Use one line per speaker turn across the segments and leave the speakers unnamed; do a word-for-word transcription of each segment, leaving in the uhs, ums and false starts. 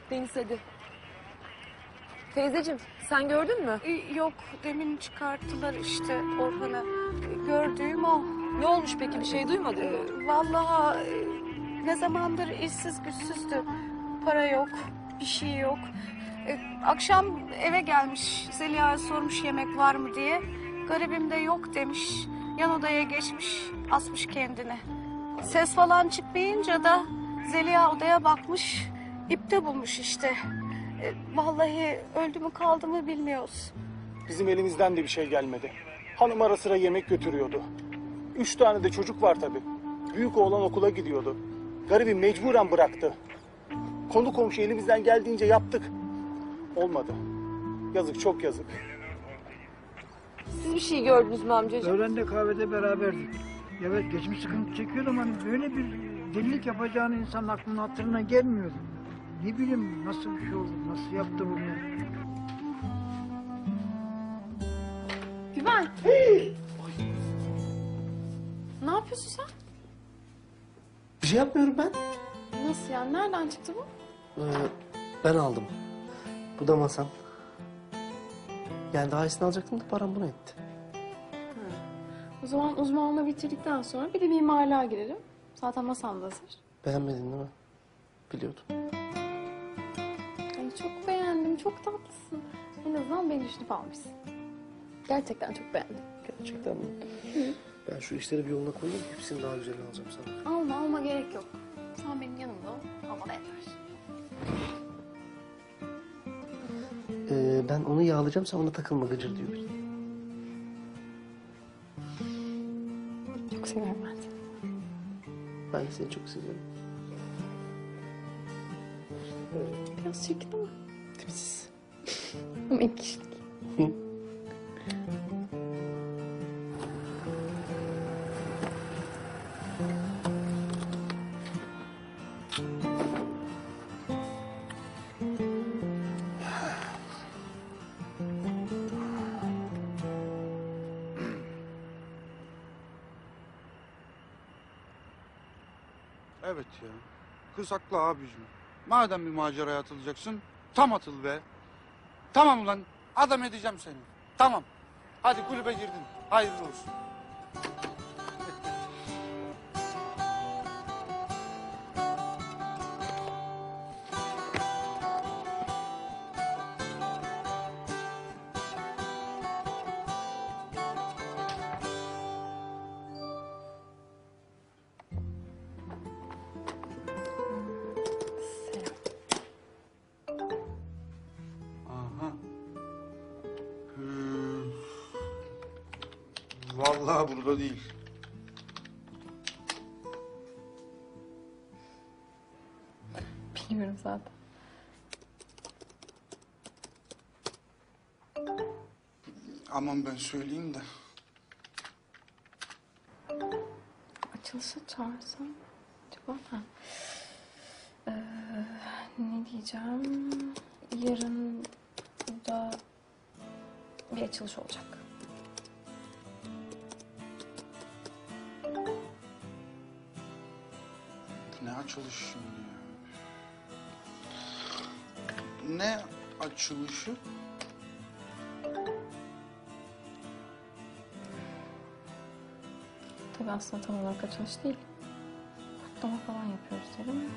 Deniz hadi. Teyzeciğim sen gördün mü?
Ee, yok, demin çıkarttılar işte Orhan'ı. Ee, Gördüğüm o.
Ne olmuş peki, bir şey duymadın mı?
Ee, vallahi e, ne zamandır işsiz güçsüzdü. Para yok, bir şey yok. Ee, akşam eve gelmiş, Zeliha'ya sormuş yemek var mı diye. Garibim de yok demiş. Yan odaya geçmiş, asmış kendini. Ses falan çıkmayınca da Zeliha odaya bakmış, ipte bulmuş işte. Ee, vallahi öldü mü kaldı mı bilmiyoruz.
Bizim elimizden de bir şey gelmedi. Hanım ara sıra yemek götürüyordu. Üç tane de çocuk var tabii. Büyük oğlan okula gidiyordu. Garibim mecburen bıraktı. Konu komşu elimizden geldiğince yaptık. Olmadı. Yazık, çok yazık.
Siz bir şey gördünüz mü amcacığım?
Öğlende kahvede beraberdik. Evet, geçmiş sıkıntı çekiyordum, hani böyle bir delilik yapacağını insanın aklına hatırına gelmiyordu. Ne bileyim nasıl bir şey oldu, nasıl yaptı bunu.
Güven. Ne yapıyorsun sen?
Bir şey yapmıyorum ben.
Nasıl yani? Nereden çıktı bu?
Ee, ben aldım. Bu da masam. Yani daha iyisini alacaktım da param buna etti.
O zaman uzmanlığı bitirdikten sonra bir de mimarlığa girelim. Zaten masam da hazır.
Beğenmedin değil mi? Biliyordum.
Ay çok beğendim, çok tatlısın. En azından beni düşünüp almışsın. Gerçekten çok beğendim.
Gerçekten mi? Hı. Ben şu işleri bir yoluna koyayım. Hepsini daha güzelini alacağım sana.
Alma, alma gerek yok. Sen benim yanımda ol, alma da yeter.
Ee, ben onu yağlayacağım, sen ona takılma gıcır diyor.
Çok seviyorum ben seni.
Ben de seni çok seviyorum.
Biraz çirkin ama.
Tipsiz.
Ama ilk kişilik.
Evet ya. Kız haklı abicim. Madem bir maceraya atılacaksın, tam atıl be. Tamam ulan, adam edeceğim seni. Tamam. Hadi kulübe girdin. Hayırlı olsun. Aha. Ee, vallahi burada değil.
Bilmiyorum zaten.
Aman ben söyleyeyim de.
Açılışa çağırsam acaba ha. Ee, ne diyeceğim? Yarın burada bir açılış olacak.
Ne açılışı şimdi ya? Ne açılışı?
Tabii aslında tam olarak açılış değil. Kutlama falan yapıyoruz dedim.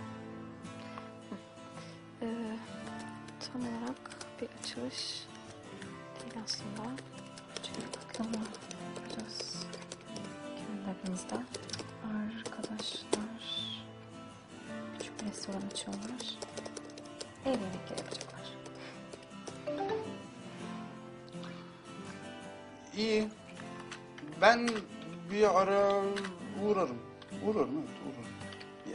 Ee, tam olarak bir açılış değil aslında. Çünkü kutlama yapacağız. Kendi aramızda. Arkadaşlar küçük bir restoran açıyorlar. Ev yemekleri yapacaklar.
İyi. Ben bir ara uğrarım. Uğrarım evet uğrarım. Ya.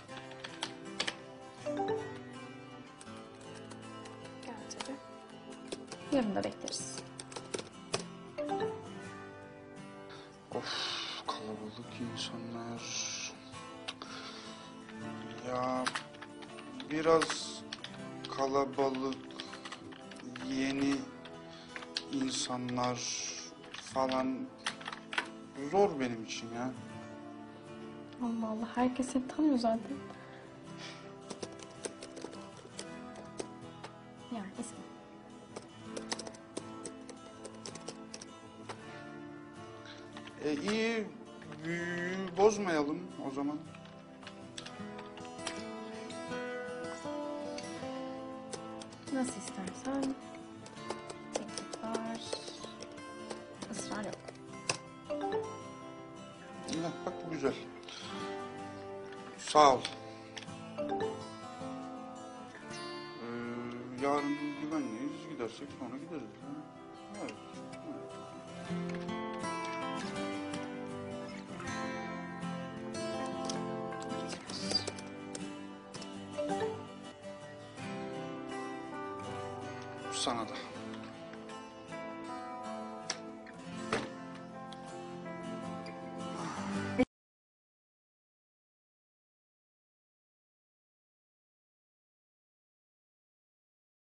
Gel tabii. Yarın da bekleriz.
Of kalabalık insanlar. Ya biraz kalabalık yeni insanlar falan zor benim için ya.
Allah Allah, herkes seni tanıyor zaten. Yani eski.
E, iyi, büyüyü bozmayalım o zaman.
Nasıl istersen. Teklif var. Israr yok.
İyi, bak bu güzel. Sağ ol. Ee, yarın güvenliyiz. Gidersek sonra gideriz. Ha? Evet. evet. Sana da.